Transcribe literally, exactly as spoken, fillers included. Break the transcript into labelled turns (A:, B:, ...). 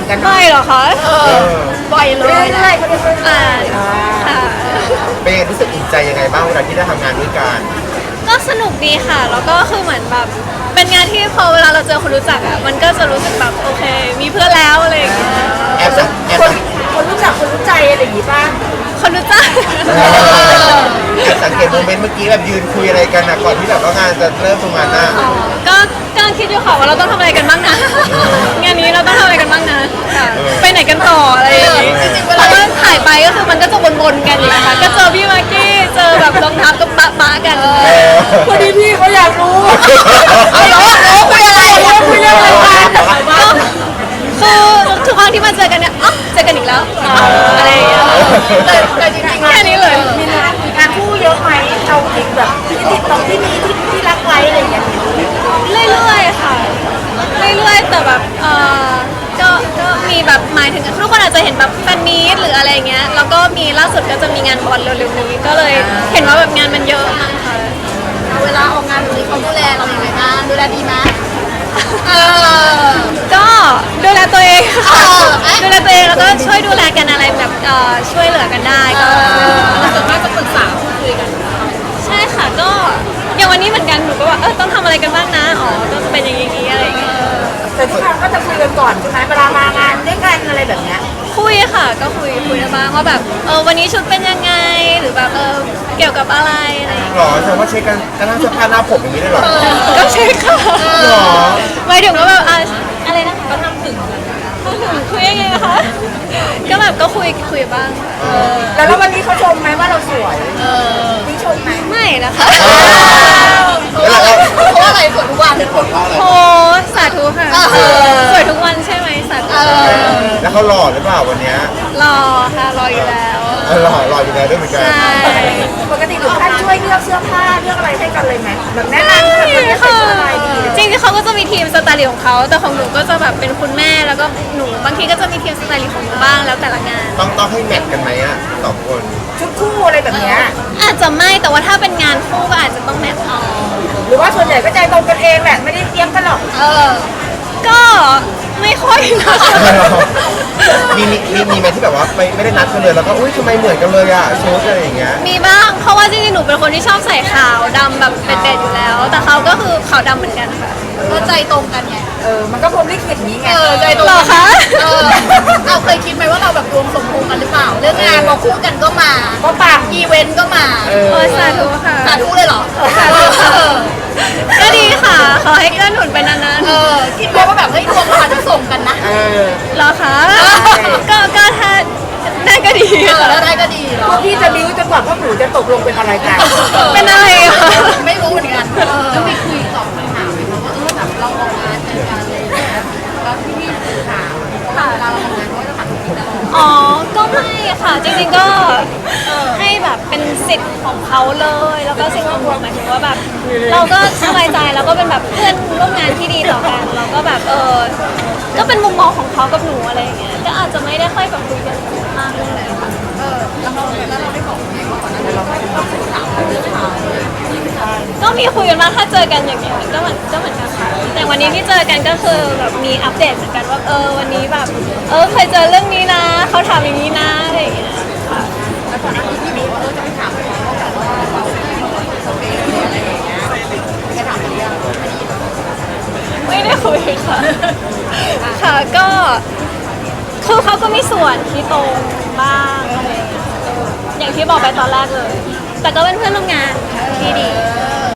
A: กัน
B: ไม่หรอคะบ่อยเล
A: เรื่
B: ย
A: อยๆเขาเรียกเรื่อย
B: อ่าค่ะ
C: เป็นรู้สึกอิ่มใจยังไงบ้างเวลาที่ได้ทำงานด้วยกัน
B: ก็สนุกดีค่ะ แล้วก็คือเหมือนแบบเป็นงานที่พอเวลาเราเจอคนรู้จักอ่ะมันก็จะรู้สึกแบบโอเค มีเพื่อนแล้วอะไรอย่างเงี้ย
C: แอบสังแอบ
A: คน
C: สัง
A: คนรู้จักคนรู้ใจอะไรอย่างงี้ป่ะ
B: คนรู้จัก
C: แอบสังเกตโมเมนต์เมื่อกี้แบบยืนคุยอะไรกันนะก่อนที่แบบว่างานจะเริ่มตรงงานหน้า
B: ก็กำลังคิดอยู่ค่ะว่าเราต้องทำอะไรกันบ้างนะ งานนี้เราต้องทำอะไรกันบ้างนะค่ะไปไหนกันต่ออะไรอย่างงี้เพราะว่าถ่ายไปก็คือมันก็จะวนๆกันอยู่นะคะก็เจอพี่มากกี้เจอแบบรองเท้าก็ปะปะกัน
A: พอดีพี่เขาอยากรู้ไม่รู้รู้คุยอะไรคุยเรื่องอะไรกัน
B: ก็คือทุกครั้งที่มาเจอกันเนี่ยอ๋อเจอกันอีกแล้วอะไรอย่างเงี้ย
A: แต่แต่จริงๆ
B: แค่นี้เลย
A: มีงานงานคู่เยอะไหมเอาจริงแบบที่ติดตรงที่มีที่ที่รักไว้อะไรอย่างเงี้ย
B: เรื่อยๆค่ะเรื่อยๆแต่แบบเออก็ก็มีแบบหมายถึงทุกคนอาจจะเห็นแบบแฟนมีตหรืออะไรเงี้ยแล้วก็มีล่าสุดก็จะมีงานบอลเร็วๆนี้ก็เลยเห็นว่าแบบงานมันเยอะมากค่ะ
D: เวลาออกงานแบบนี้เขาดูแลเราอย่างไรบ้างดูแลดีไหมเออ
B: ก็ดูแลตัวเองค่ะดูแลตัวเองแล้วก็ช่วยดูแลกันอะไรแบบเอ่อช่วยเหลือกันได้ก็
D: ส่วนมากจะปรึกษาพูดคุยกัน
B: ใช่ค่ะก็อย่างวันนี้เหมือนกันหนูก็ว่าเออต้องทำอะไรกันบ้างนะอ๋อก็จะเป็นอย่างนี้อะไรอย่างเงี้ย
A: แต่ทุกครั้งก็จะคุยกันก่อนใช่ไหมเวลามางานด้วยกันอะไรแบบเนี้ย
B: คุยค่ะก็คุยคุยกันบ้างว่าแบบเออวันนี้ชุดเป็นยังไงหรือแบบเออเกี่ยวกับอะไรอะไรอย่างเงี้ย
C: หรอแสดงว่าเช็คกันกันทั้งเสื้อผ้าหน้าผมอย่างนี้ได้หรอ
B: ก็ใช่ค่ะ
C: หรอ
B: หมายถึงว่าแบบอ่ะอะไรนะคะก็ทำถึงคุยยังไงนะคะก็แบบก็คุยคุยบ้างค่ะ
A: แล้วแล้ววันนี้เขาชมไหมว่าเราสวยพี่ชมไหม
B: ไม่นะคะ
C: แล้วเรา
D: เพราะอะไรส่วนทุกวัน
C: เหตุผลเพราะอะไร
B: โอ้สาธุค่ะสวยทุกวันใช่ไหมสาธุ
C: แล้วเขาหล่อหรือเปล่าวันเนี้ย
B: รอค่ะรออยู่แล้ว
C: เออหล่อหล่ออยู่แล้วด้วยเหมือนกัน
B: ใช่
A: ปกติถึงขั้นช่วยเลือกเสื้อผ้าเลือกอะไรให้กันเลยไหมแบบแนะนำแบบวันนี้ใส่
B: ค่ะ
A: ชุดอะไรดี
B: จริงๆเขาก็จะมีทีมสไตลิสต์ของเขาแต่ของหนูก็จะแบบเป็นคุณแม่แล้วก็หนูบางทีก็จะมีทีมสไตลิสต์ของหนูบ้างแล้วแต่ละงาน
C: ต้องต้องให้แมทกันไหมอ่ะสองคน
A: ชุดคู่อะไรแบบเนี้ย
B: อาจจะไม่แต่ว่าถ้าเป็นงานคู่ก็อาจจะต้องแมทเอา
A: หรือว่าส่วนใหญ่ก็ใจตรงกันเองแหละไม่ได้เตรียมกันหรอก
D: เออ
B: ก็ไม่ค่อยนะคะ
C: มีมีมีมีไหมที่แบบว่าไม่ไม่ได้นัดกันเลยแล้วก็อุ้ยทำไมเหมือนกันเลยอ่ะชุดอะไรอย่างเงี้ย
B: มีบ้างเพราะว่าจริงๆหนูเป็นคนที่ชอบใส่ขาวดำแบบเป็นเด็ดอยู่แล้ว แต่เขาก็คือขาวดำเหมือนกันค่ะ
D: ก็ใจตรงกันไง
A: เออมันก็พรหมลิขิตนี้ไง
D: เออใจตรง
B: หรอคะ
D: เออเราเคยคิดไหมว่าเราแบบรวมสมพงษ์กันหรือเปล่า เรื่องงานมาคู่กันก็มา
A: ก็ปัง
D: อีเวนต์ก็มา
C: เออ
B: โอ้ยสาธุค่ะ
D: สาธุเลยเหรอ
B: สาธุค่ะก็ดีค่ะ ขอให้เกื้อหนุนไปนาน
D: เออคิดไหมว่าแบบเฮ้ยดวงเราอาจจะส่งกันนะ
C: เออ
B: ๆเหรอคะก็ก็ถ้าได้ก็ดี
D: เออ
B: ค่ะ
D: แล้วได้ก็ดีเหร
A: พ
D: อ
A: วกพี่จะบิ้วจนกว่าพวกหนูจะตกลงเป็นอะไรกัน
B: เป็นอะไรอะคะ
D: ไม่รู้เหมือนกันแล้วมีคุยตอบคำถามไหมคะว่าเออแบบเราออกงานเจอกันอะไรอย่างเลยแล้วพี่พี่ถามว่าเวลาเราทำงานเขาจะถามพี่ตลอด
B: อ๋อ ก็ไม่ค่ะ จริงๆ ก็ให้แบบเป็นสิทธิ์ของเขาเลย แล้วก็สิ่งของหนูหมายถึงว่าแบบ เราก็สบายใจแล้วก็เป็นแบบเพื่อนร่วมงานที่ดีต่อกัน เราก็แบบเออ ก็เป็นมุมมองของเขากับหนูอะไรอย่างเงี้ย ก็อาจจะไม่ได้ค่อยแบบคุยกันมากเลยค่ะ
D: เออแล้วเราแล้วเราได้บอกไหมว่าก่อนหน้านี้เราไม่ได้ต้องถามเรื่องข่าวเลย
B: ก็มีคุยกันมางถ้าเจอกันอย่างเงี้ย ก็เหมือนก็เหมือนกันค่ะ แต่วันนี้ที่เจอกันก็คือแบบมีอัปเดตเหมือนกันว่าเออวันนี้แบบ เออเคยเจอเรื่องนี้นะ เขาถามอย่างนี้นะอะไรอย่างเงี้ยค่ะ
D: แล้วก่อนหน้านี้พี่บิ๊กเออจะไปถามเขาว่าแบบว่าเราสเปคอะไรอย่างเงี้ยจะถามอะไรยัง
B: ไม่ได้คุยค่ะ ค่ะก็คือเขาก็มีส่วนที่ตรงบ้างอะไรอย่างเงี้ยอย่างที่บอกไปตอนแรกเลย แต่ก็เป็นเพื่อนร่วมงานค่ะที่ดี
D: เอ